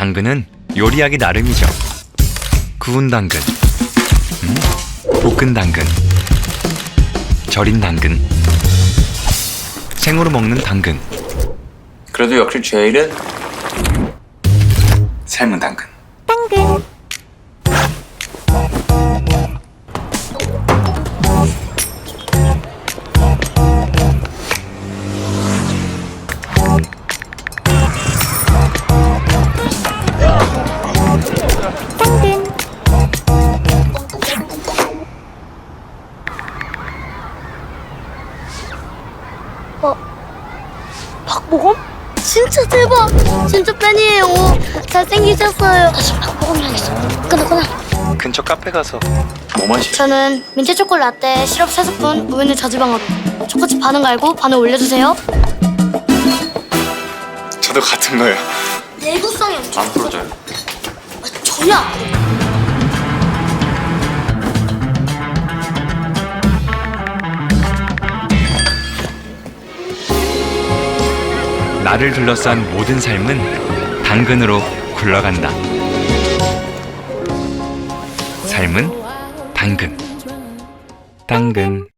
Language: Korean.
당근은 요리하기 나름이죠. 구운 당근, 볶은 당근, 절인 당근, 생으로 먹는 당근. 그래도 역시 제일은 삶은 당근. 박보검? 진짜 대박! 진짜 팬이에요. 잘생기셨어요. 다시 박보검 당했어. 끊어. 근처 카페 가서 뭐 마시? 저는 민트 초콜 라떼, 시럽 3스푼, 우유는 저지방으로. 초코칩 반은 갈고 반을 올려주세요. 저도 같은 거예요. 내구성이 엄청 안 풀어져요. 전혀 안 풀어져요. 나를 둘러싼 모든 삶은 당근으로 굴러간다. 삶은 당근. 당근.